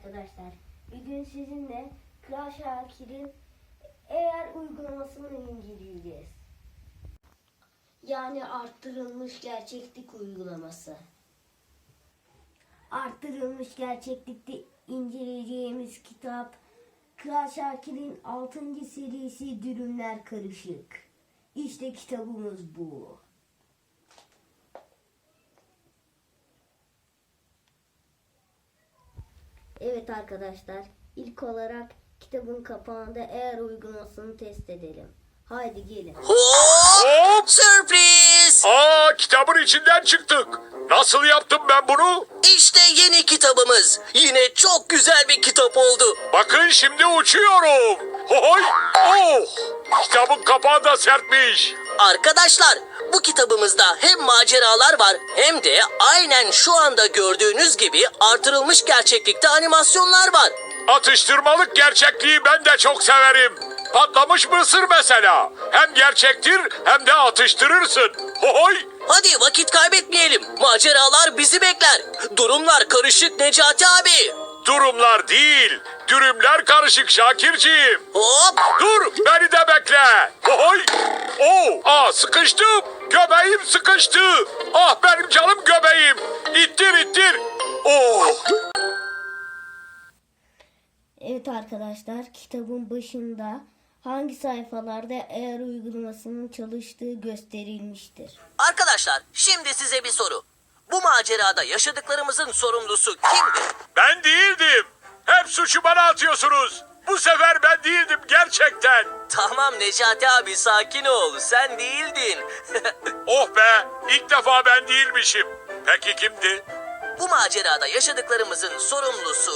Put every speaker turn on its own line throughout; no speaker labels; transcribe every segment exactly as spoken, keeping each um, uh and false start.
arkadaşlar. Bugün sizinle Kral Şakir'in eğer uygulamasını inceleyeceğiz. Yani arttırılmış gerçeklik uygulaması. Arttırılmış gerçeklikte inceleyeceğimiz kitap Kral Şakir'in altıncı serisi Dürümler Karışık. İşte kitabımız bu. Evet arkadaşlar, ilk olarak kitabın kapağında eğer uygulamasını test edelim. Haydi gelin.
Hop! Sürpriz!
Aa, kitabın içinden çıktık. Nasıl yaptım ben bunu?
İşte yeni kitabımız. Yine çok güzel bir kitap oldu.
Bakın şimdi uçuyorum. Hohoy! Oh! Kitabın kapağı da sertmiş.
Arkadaşlar, bu kitabımızda hem maceralar var hem de aynen şu anda gördüğünüz gibi artırılmış gerçeklikte animasyonlar var.
Atıştırmalık gerçekliği ben de çok severim. Patlamış mısır mesela. Hem gerçektir hem de atıştırırsın. Hohoy!
Hadi vakit kaybetmeyelim. Maceralar bizi bekler. Durumlar karışık Necati abi.
Durumlar değil, dürümler karışık Şakirciğim.
Hop!
Dur, beni de bekle. Hohoy! Oh, aa, sıkıştım. Göbeğim sıkıştı. Ah benim canım göbeğim. İttir ittir. Oh.
Evet arkadaşlar, kitabın başında hangi sayfalarda eğer uygulamasının çalıştığı gösterilmiştir.
Arkadaşlar, şimdi size bir soru. Bu macerada yaşadıklarımızın sorumlusu kimdi?
Ben değildim. Hep suçu bana atıyorsunuz. Bu sefer ben değildim gerçekten.
Tamam Necati abi, sakin ol. Sen değildin.
Oh be, ilk defa ben değilmişim. Peki kimdi?
Bu macerada yaşadıklarımızın sorumlusu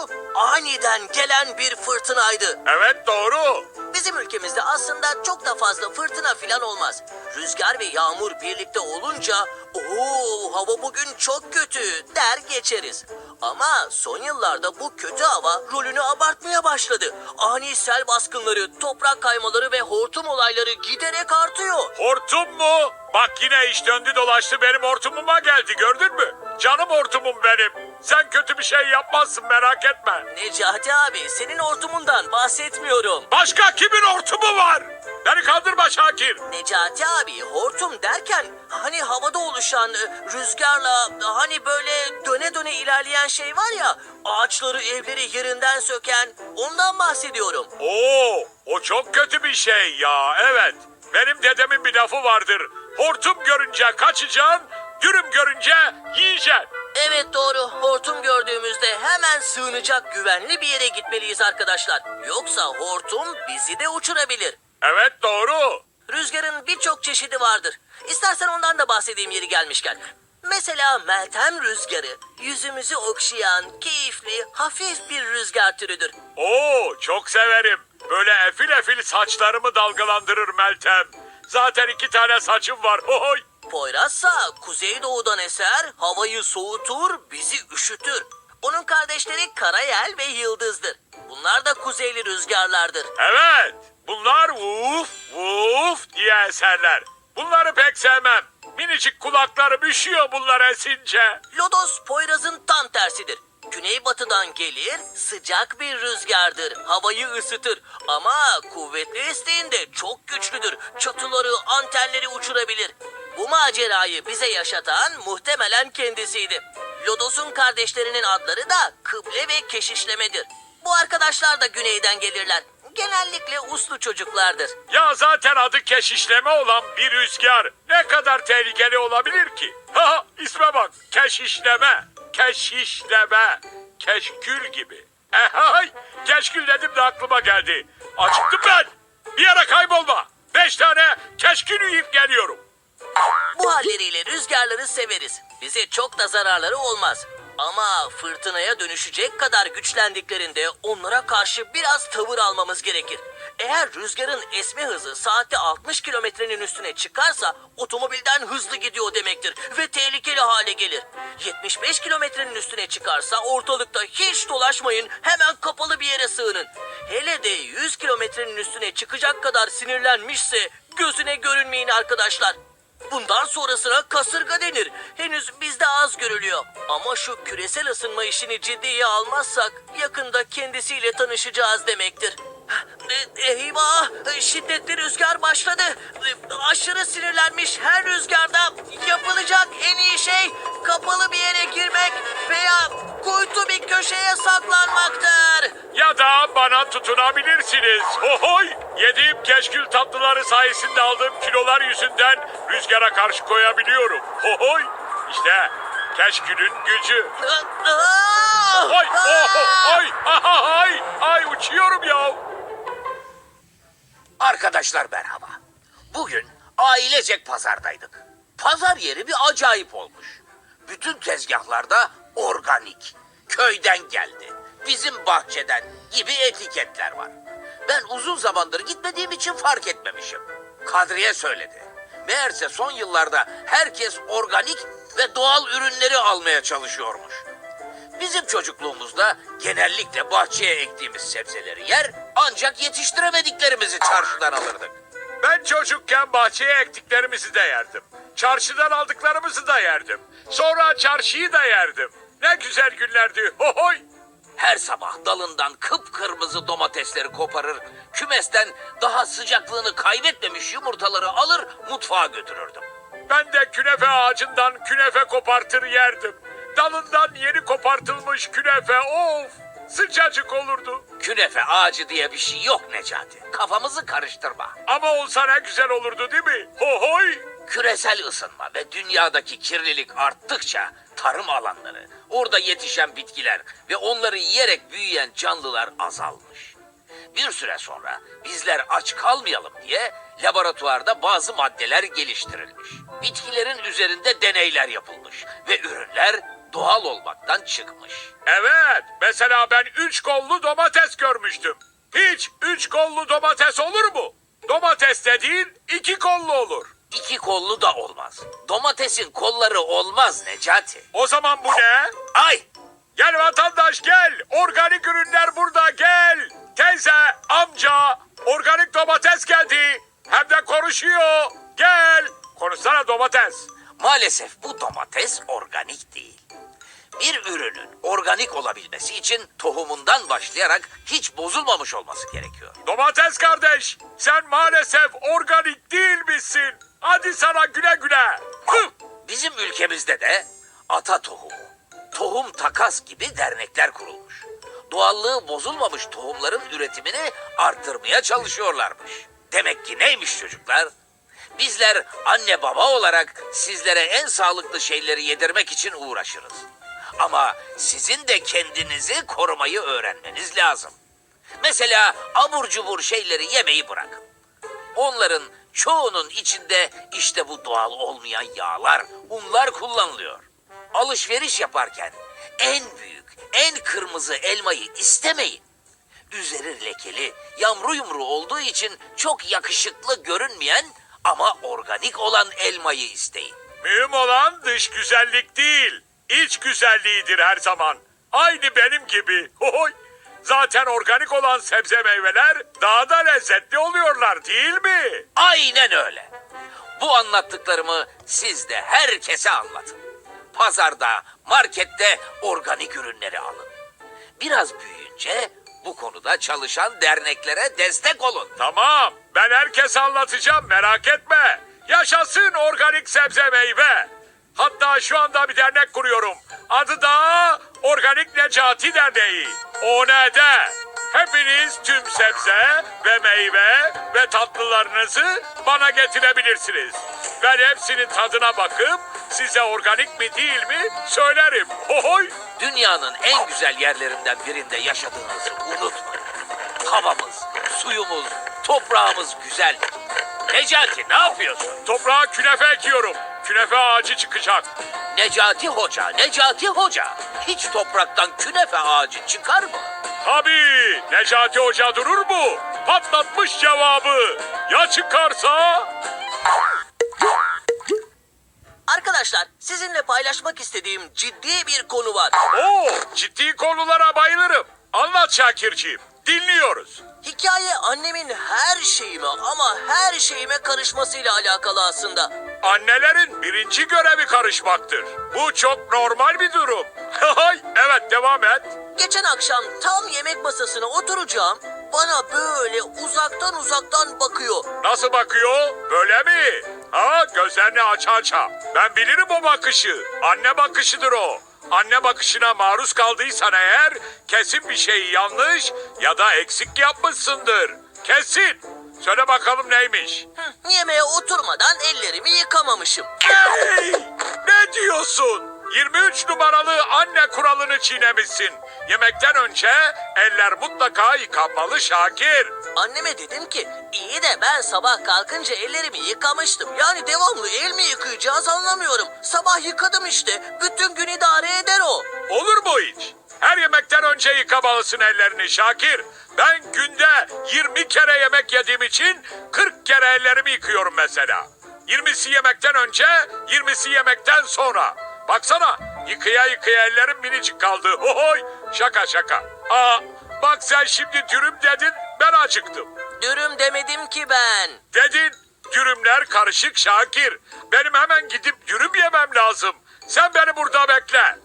aniden gelen bir fırtınaydı.
Evet, doğru.
Bizim ülkemizde aslında çok da fazla fırtına filan olmaz. Rüzgar ve yağmur birlikte olunca ooo hava bugün çok kötü der geçeriz. Ama son yıllarda bu kötü hava rolünü abartmaya başladı. Ani sel baskınları, toprak kaymaları ve hortum olayları giderek artıyor.
Hortum mu? Bak yine iş döndü dolaştı benim hortumuma geldi, gördün mü? Canım hortumum benim. Sen kötü bir şey yapmazsın, merak etme.
Necati abi, senin hortumundan bahsetmiyorum.
Başka kimin hortumu var? Beni kandırma Şakir.
Necati abi, hortum derken hani havada oluşan e, rüzgarla hani böyle döne döne ilerleyen şey var ya, ağaçları evleri yerinden söken, ondan bahsediyorum.
Oo, o çok kötü bir şey ya, evet. Benim dedemin bir lafı vardır. Hortum görünce kaçacaksın, dürüm görünce yiyeceksin.
Evet doğru, hortum gördüğümüzde hemen sığınacak güvenli bir yere gitmeliyiz arkadaşlar. Yoksa hortum bizi de uçurabilir.
Evet, doğru.
Rüzgarın birçok çeşidi vardır. İstersen ondan da bahsedeyim yeri gelmişken. Mesela Meltem rüzgarı, yüzümüzü okşayan, keyifli, hafif bir rüzgar türüdür.
Oo, çok severim. Böyle efil efil saçlarımı dalgalandırır Meltem. Zaten iki tane saçım var. Oy.
Poyrazsa kuzeydoğudan eser, havayı soğutur, bizi üşütür. Onun kardeşleri Karayel ve Yıldız'dır. Bunlar da kuzeyli rüzgarlardır.
Evet, bunlar vuf vuf diye eserler. Bunları pek sevmem. Minicik kulaklarım üşüyor bunlar esince.
Lodos Poyraz'ın tam tersidir. Güneybatıdan gelir, sıcak bir rüzgardır. Havayı ısıtır ama kuvvetli estiğinde çok güçlüdür. Çatıları, antenleri uçurabilir. Bu macerayı bize yaşatan muhtemelen kendisiydi. Lodos'un kardeşlerinin adları da Kıble ve Keşişleme'dir. Bu arkadaşlar da güneyden gelirler. Genellikle uslu çocuklardır.
Ya zaten adı keşişleme olan bir rüzgar ne kadar tehlikeli olabilir ki? Ha, isme bak, keşişleme, keşişleme, keşkül gibi. Ehay, keşkül dedim de aklıma geldi. Acıktım ben. Bir yere kaybolma. Beş tane keşkül yiyip geliyorum.
Bu halleriyle rüzgarları severiz. Bize çok da zararları olmaz. Ama fırtınaya dönüşecek kadar güçlendiklerinde onlara karşı biraz tavır almamız gerekir. Eğer rüzgarın esme hızı saatte altmış kilometrenin üstüne çıkarsa otomobilden hızlı gidiyor demektir ve tehlikeli hale gelir. yetmiş beş kilometrenin üstüne çıkarsa ortalıkta hiç dolaşmayın, hemen kapalı bir yere sığının. Hele de yüz kilometrenin üstüne çıkacak kadar sinirlenmişse gözüne görünmeyin arkadaşlar. Bundan sonrasına kasırga denir. Henüz bizde az görülüyor. Ama şu küresel ısınma işini ciddiye almazsak yakında kendisiyle tanışacağız demektir. E, Eyvah! Şiddetli rüzgar başladı. E, Aşırı sinirlenmiş her rüzgarda yapılacak en iyi şey kapalı bir yere girmek veya kuytu bir köşeye saklanmaktır.
Ya da bana tutunabilirsiniz. Hohoy! Yediğim keşkül tatlıları sayesinde aldığım kilolar yüzünden rüzgara karşı koyabiliyorum. Hohoy! İşte keşkülün gücü.
Aa!
Ay, oh, ay, ay, ay, uçuyorum ya.
Arkadaşlar merhaba. Bugün ailecek pazardaydık. Pazar yeri bir acayip olmuş. Bütün tezgahlarda organik, köyden geldi, bizim bahçeden gibi etiketler var. Ben uzun zamandır gitmediğim için fark etmemişim. Kadriye söyledi. Meğerse son yıllarda herkes organik ve doğal ürünleri almaya çalışıyormuş. Bizim çocukluğumuzda genellikle bahçeye ektiğimiz sebzeleri yer ancak yetiştiremediklerimizi çarşıdan alırdık.
Ben çocukken bahçeye ektiklerimizi de yerdim. Çarşıdan aldıklarımızı da yerdim. Sonra çarşıyı da yerdim. Ne güzel günlerdi. Hohoy!
Her sabah dalından kıpkırmızı domatesleri koparır, kümesten daha sıcaklığını kaybetmemiş yumurtaları alır mutfağa götürürdüm.
Ben de künefe ağacından künefe kopartır yerdim. Dalından yeni kopartılmış künefe, of! Sıcacık olurdu.
Künefe ağacı diye bir şey yok Necati. Kafamızı karıştırma.
Ama olsa ne güzel olurdu değil mi? Hohoy!
Küresel ısınma ve dünyadaki kirlilik arttıkça tarım alanları, orada yetişen bitkiler ve onları yiyerek büyüyen canlılar azalmış. Bir süre sonra bizler aç kalmayalım diye laboratuvarda bazı maddeler geliştirilmiş. Bitkilerin üzerinde deneyler yapılmış ve ürünler doğal olmaktan çıkmış.
Evet, mesela ben üç kollu domates görmüştüm. Hiç üç kollu domates olur mu? Domates dediğin iki kollu olur.
İki kollu da olmaz. Domatesin kolları olmaz Necati.
O zaman bu ne?
Ay!
Gel vatandaş gel. Organik ürünler burada gel. Teyze, amca, organik domates geldi. Hem de konuşuyor. Gel. Konuşsana domates.
Maalesef bu domates organik değil. Bir ürünün organik olabilmesi için tohumundan başlayarak hiç bozulmamış olması gerekiyor.
Domates kardeş, sen maalesef organik değil misin? Hadi sana güle güle. Hıh!
Bizim ülkemizde de ata tohumu, tohum takas gibi dernekler kurulmuş. Doğallığı bozulmamış tohumların üretimini arttırmaya çalışıyorlarmış. Demek ki neymiş çocuklar? Bizler anne baba olarak sizlere en sağlıklı şeyleri yedirmek için uğraşırız. Ama sizin de kendinizi korumayı öğrenmeniz lazım. Mesela abur cubur şeyleri yemeyi bırakın. Onların çoğunun içinde işte bu doğal olmayan yağlar, unlar kullanılıyor. Alışveriş yaparken en büyük, en kırmızı elmayı istemeyin. Üzeri lekeli, yamru yumru olduğu için çok yakışıklı görünmeyen ama organik olan elmayı isteyin.
Mühim olan dış güzellik değil, iç güzelliğidir her zaman. Aynı benim gibi. Hohoy! Zaten organik olan sebze meyveler daha da lezzetli oluyorlar değil mi?
Aynen öyle. Bu anlattıklarımı siz de herkese anlatın. Pazarda, markette organik ürünleri alın. Biraz büyüyünce bu konuda çalışan derneklere destek olun.
Tamam, ben herkese anlatacağım merak etme. Yaşasın organik sebze meyve. Hatta şu anda bir dernek kuruyorum. Adı da Organik Necati Derneği. O ne de? Hepiniz tüm sebze ve meyve ve tatlılarınızı bana getirebilirsiniz. Ben hepsinin tadına bakıp size organik mi değil mi söylerim. Hohoy!
Dünyanın en güzel yerlerinden birinde yaşadığınızı unutmayın. Havamız, suyumuz, toprağımız güzeldir. Necati ne yapıyorsun?
Toprağa künefe ekiyorum. Künefe ağacı çıkacak.
Necati Hoca, Necati Hoca. Hiç topraktan künefe ağacı çıkar mı?
Tabii Necati Hoca durur mu? Patlatmış cevabı. Ya çıkarsa?
Arkadaşlar sizinle paylaşmak istediğim ciddi bir konu var.
Oo, ciddi konulara bayılırım. Anlat Şakirciğim. Dinliyoruz.
Hikaye annemin her şeyime ama her şeyime karışmasıyla alakalı aslında.
Annelerin birinci görevi karışmaktır. Bu çok normal bir durum. Evet, devam et.
Geçen akşam tam yemek masasına oturacağım. Bana böyle uzaktan uzaktan bakıyor.
Nasıl bakıyor? Böyle mi? Ha, gözlerini aç aça. Ben bilirim o bakışı. Anne bakışıdır o. Anne bakışına maruz kaldıysan eğer kesin bir şey yanlış ya da eksik yapmışsındır. Kesin. Söyle bakalım neymiş?
Hı, yemeğe oturmadan ellerimi yıkamamışım.
Hey! Ne diyorsun? yirmi üç numaralı anne kuralını çiğnemişsin. Yemekten önce eller mutlaka yıkanmalı Şakir.
Anneme dedim ki iyi de ben sabah kalkınca ellerimi yıkamıştım. Yani devamlı el mi yıkayacağız anlamıyorum. Sabah yıkadım işte. Bütün gün idare eder o.
Olur mu hiç? Her yemekten önce yıkamalısın ellerini Şakir. Ben günde yirmi kere yemek yediğim için kırk kere ellerimi yıkıyorum mesela. yirmisi yemekten önce, yirmisi yemekten sonra. Baksana, yıkaya yıkaya ellerim minicik kaldı. Hohoy, şaka şaka. Aa, bak sen şimdi dürüm dedin, ben acıktım.
Dürüm demedim ki ben.
Dedin, dürümler karışık Şakir. Benim hemen gidip dürüm yemem lazım. Sen beni burada bekle.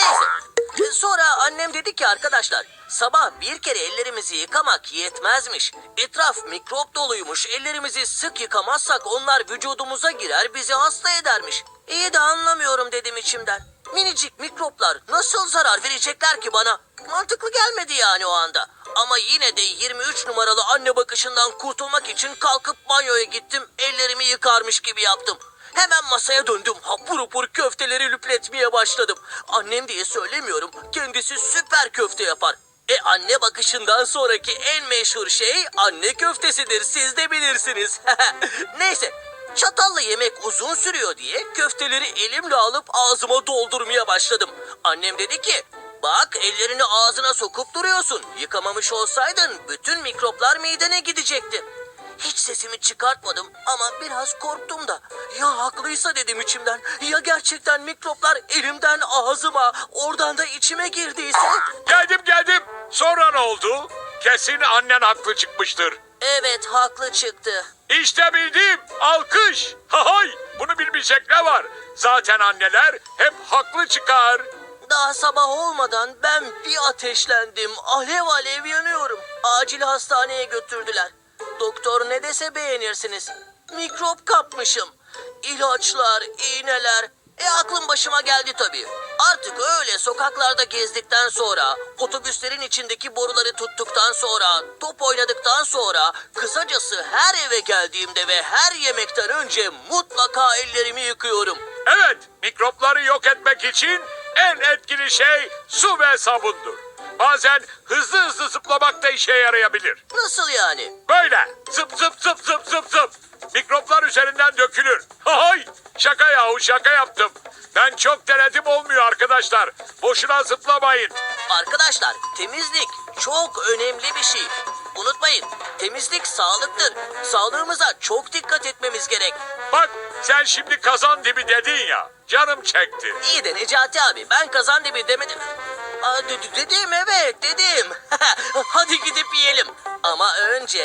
Neyse. Sonra annem dedi ki arkadaşlar sabah bir kere ellerimizi yıkamak yetmezmiş. Etraf mikrop doluymuş. Ellerimizi sık yıkamazsak onlar vücudumuza girer bizi hasta edermiş. İyi de anlamıyorum dedim içimden. Minicik mikroplar nasıl zarar verecekler ki bana? Mantıklı gelmedi yani o anda. Ama yine de yirmi üç numaralı anne bakışından kurtulmak için kalkıp banyoya gittim. Ellerimi yıkarmış gibi yaptım. Hemen masaya döndüm. Hapur hapur köfteleri lüpletmeye başladım. Annem diye söylemiyorum. Kendisi süper köfte yapar. E anne bakışından sonraki en meşhur şey anne köftesidir. Siz de bilirsiniz. Neyse. Çatalla yemek uzun sürüyor diye köfteleri elimle alıp ağzıma doldurmaya başladım. Annem dedi ki bak ellerini ağzına sokup duruyorsun. Yıkamamış olsaydın bütün mikroplar midene gidecekti. Hiç sesimi çıkartmadım ama biraz korktum da. Ya haklıysa dedim içimden. Ya gerçekten mikroplar elimden ağzıma, oradan da içime girdiyse?
Geldim geldim. Sonra ne oldu? Kesin annen haklı çıkmıştır.
Evet haklı çıktı.
İşte bildim. Alkış. Hahay. Bunu bilmeyecek ne var? Zaten anneler hep haklı çıkar.
Daha sabah olmadan ben bir ateşlendim. Alev alev yanıyorum. Acil hastaneye götürdüler. Doktor ne dese beğenirsiniz. Mikrop kapmışım. İlaçlar, iğneler. E aklım başıma geldi tabii. Artık öyle sokaklarda gezdikten sonra, otobüslerin içindeki boruları tuttuktan sonra, top oynadıktan sonra, kısacası her eve geldiğimde ve her yemekten önce mutlaka ellerimi yıkıyorum.
Evet, mikropları yok etmek için en etkili şey su ve sabundur. Bazen hızlı hızlı zıplamak da işe yarayabilir.
Nasıl yani?
Böyle zıp zıp zıp zıp zıp zıp. Mikroplar üzerinden dökülür. Hay! Şaka yahu şaka yaptım. Ben çok denedim olmuyor arkadaşlar. Boşuna zıplamayın.
Arkadaşlar temizlik çok önemli bir şey. Unutmayın temizlik sağlıktır. Sağlığımıza çok dikkat etmemiz gerek.
Bak sen şimdi kazan dibi dedin ya. Canım çekti.
İyi de Necati abi ben kazan dibi demedim. Aa, de- de- dedim evet dedim. Hadi gidip yiyelim. Ama önce...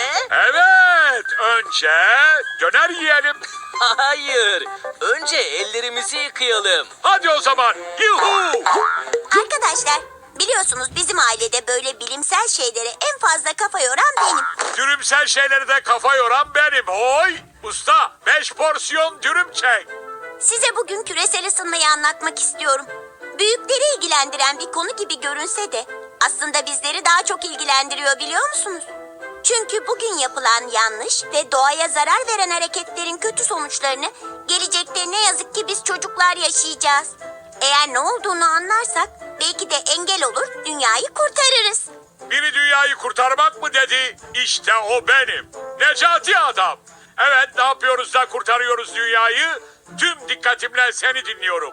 Evet önce döner yiyelim.
Hayır. Önce ellerimizi yıkayalım.
Hadi o zaman. Yuhu!
Arkadaşlar, biliyorsunuz bizim ailede böyle bilimsel şeylere en fazla kafa yoran benim.
Dürümsel şeyleri de kafa yoran benim. Hoy! Usta beş porsiyon dürüm çek.
Size bugün küresel ısınmayı anlatmak istiyorum. Büyükleri ilgilendiren bir konu gibi görünse de aslında bizleri daha çok ilgilendiriyor biliyor musunuz? Çünkü bugün yapılan yanlış ve doğaya zarar veren hareketlerin kötü sonuçlarını gelecekte ne yazık ki biz çocuklar yaşayacağız. Eğer ne olduğunu anlarsak belki de engel olur, dünyayı kurtarırız.
Biri dünyayı kurtarmak mı dedi? İşte o benim. Necati adam. Evet ne yapıyoruz da kurtarıyoruz dünyayı? Tüm dikkatimle seni dinliyorum.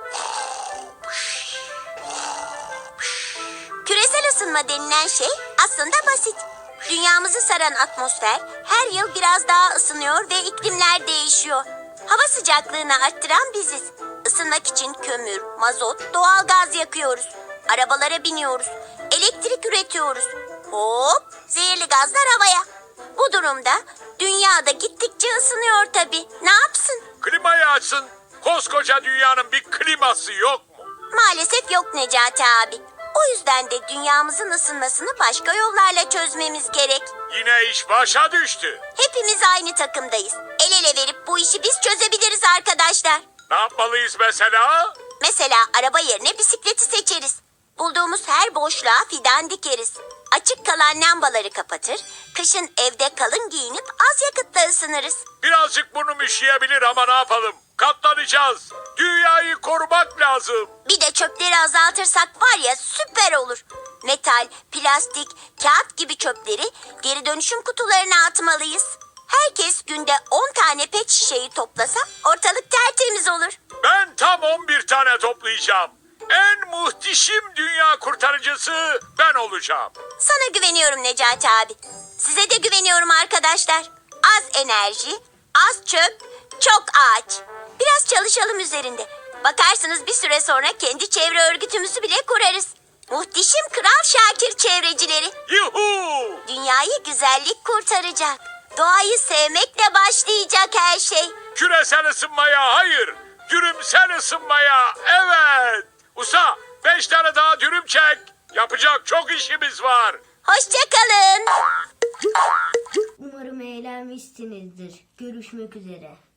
Küresel ısınma denilen şey aslında basit. Dünyamızı saran atmosfer her yıl biraz daha ısınıyor ve iklimler değişiyor. Hava sıcaklığını arttıran biziz. Isınmak için kömür, mazot, doğal gaz yakıyoruz. Arabalara biniyoruz. Elektrik üretiyoruz. Hop, zehirli gazlar havaya. Bu durumda dünyada gittikçe ısınıyor tabii. Ne yapsın?
Klimayı açsın. Koskoca dünyanın bir kliması yok mu?
Maalesef yok Necati abi. O yüzden de dünyamızın ısınmasını başka yollarla çözmemiz gerek.
Yine iş başa düştü.
Hepimiz aynı takımdayız. El ele verip bu işi biz çözebiliriz arkadaşlar.
Ne yapmalıyız mesela?
Mesela araba yerine bisikleti seçeriz. Bulduğumuz her boşluğa fidan dikeriz. Açık kalan lambaları kapatır, kışın evde kalın giyinip az yakıtla ısınırız.
Birazcık burnum üşüyebilir ama ne yapalım? Katlanacağız. Dünyayı korumak lazım.
Bir de çöpleri azaltırsak var ya süper olur. Metal, plastik, kağıt gibi çöpleri geri dönüşüm kutularına atmalıyız. Herkes günde on tane pet şişeyi toplasa ortalık tertemiz olur.
Ben tam on bir tane toplayacağım. En muhteşem dünya kurtarıcısı ben olacağım.
Sana güveniyorum Necati abi. Size de güveniyorum arkadaşlar. Az enerji, az çöp, çok ağaç. Biraz çalışalım üzerinde. Bakarsınız bir süre sonra kendi çevre örgütümüzü bile kurarız. Muhteşem Kral Şakir çevrecileri.
Yuhu!
Dünyayı güzellik kurtaracak. Doğayı sevmekle başlayacak her şey.
Küresel ısınmaya hayır. Dürümsel ısınmaya evet. Usta beş tane daha dürüm çek. Yapacak çok işimiz var.
Hoşçakalın.
Umarım eğlenmişsinizdir. Görüşmek üzere.